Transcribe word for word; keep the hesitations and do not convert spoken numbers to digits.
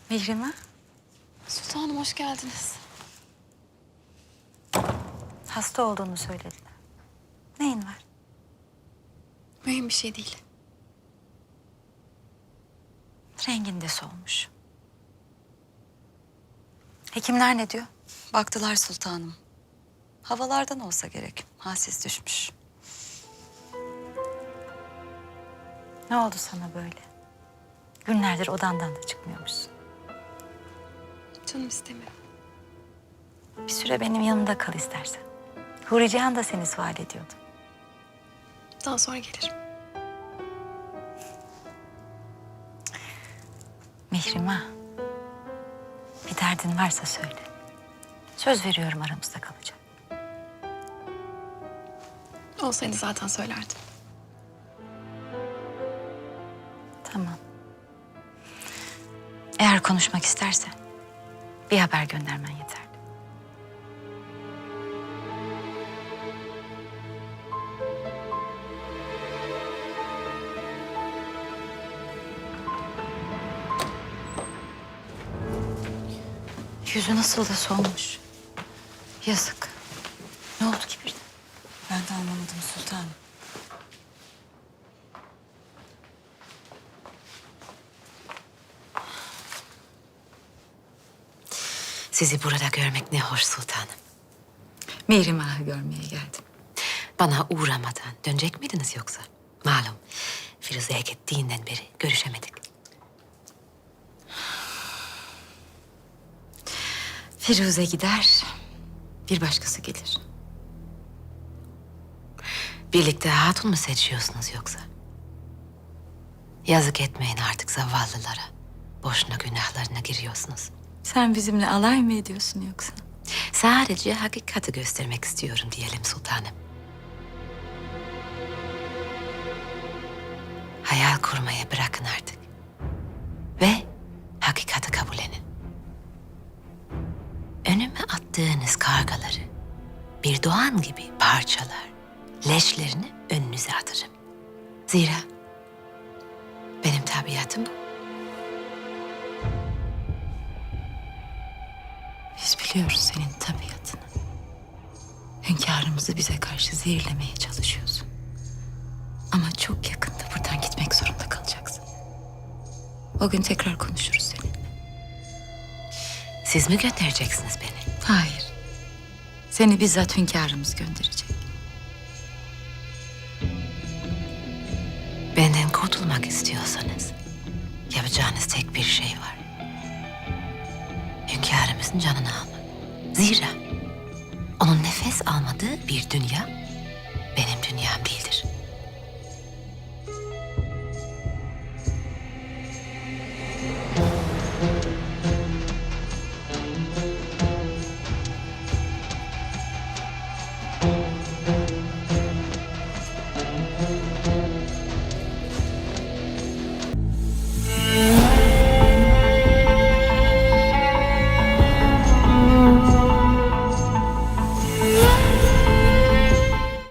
Mihrimah, Sultanım hoş geldiniz. hasta olduğunu söylediler. Neyin var? Mühim bir şey değil. Rengin de solmuş. Hekimler ne diyor? Baktılar sultanım. Havalardan olsa gerek. Halsiz düşmüş. Ne oldu sana böyle? Günlerdir odandan da çıkmıyormuşsun. Canım istemiyor. Bir süre benim yanımda kal istersen. Huri Cihan da seni sual ediyordu. Daha sonra gelirim. Mihrimah, bir derdin varsa söyle. Söz veriyorum aramızda kalacak. Olsaydı zaten söylerdim. Tamam. Eğer konuşmak istersen bir haber göndermen yeterli. Yüzü nasıl da solmuş. Yazık. Ne oldu ki birden? Ben de anlamadım sultanım. Sizi burada görmek ne hoş sultanım. Mihrimah'ı görmeye geldim. Bana uğramadan dönecek miydiniz yoksa? Malum Firuze'ye gittiğinden beri görüşemedik. Firuze gider, bir başkası gelir. Birlikte hatun mu seçiyorsunuz yoksa? Yazık etmeyin artık zavallılara. Boşuna günahlarına giriyorsunuz. Sen bizimle alay mı ediyorsun yoksa? Sadece hakikati göstermek istiyorum diyelim sultanım. Hayal kurmayı bırakın artık. Ve hakikati kabullenin. Önüme attığınız kargaları bir doğan gibi parçalar, leşlerini önünüze atarım. Zira benim tabiatım bu. Biz biliyoruz senin tabiatını. Hünkârımızı bize karşı zehirlemeye çalışıyorsun. Ama çok yakında buradan gitmek zorunda kalacaksın. O gün tekrar konuşuruz seninle. Siz mi göndereceksiniz beni? Hayır. Seni bizzat hünkârımız gönderecek. Benden kurtulmak istiyorsanız yapacağınız tek bir şey var. Hünkârımızın canını almak. Zira onun nefes almadığı bir dünya benim dünyam değildir.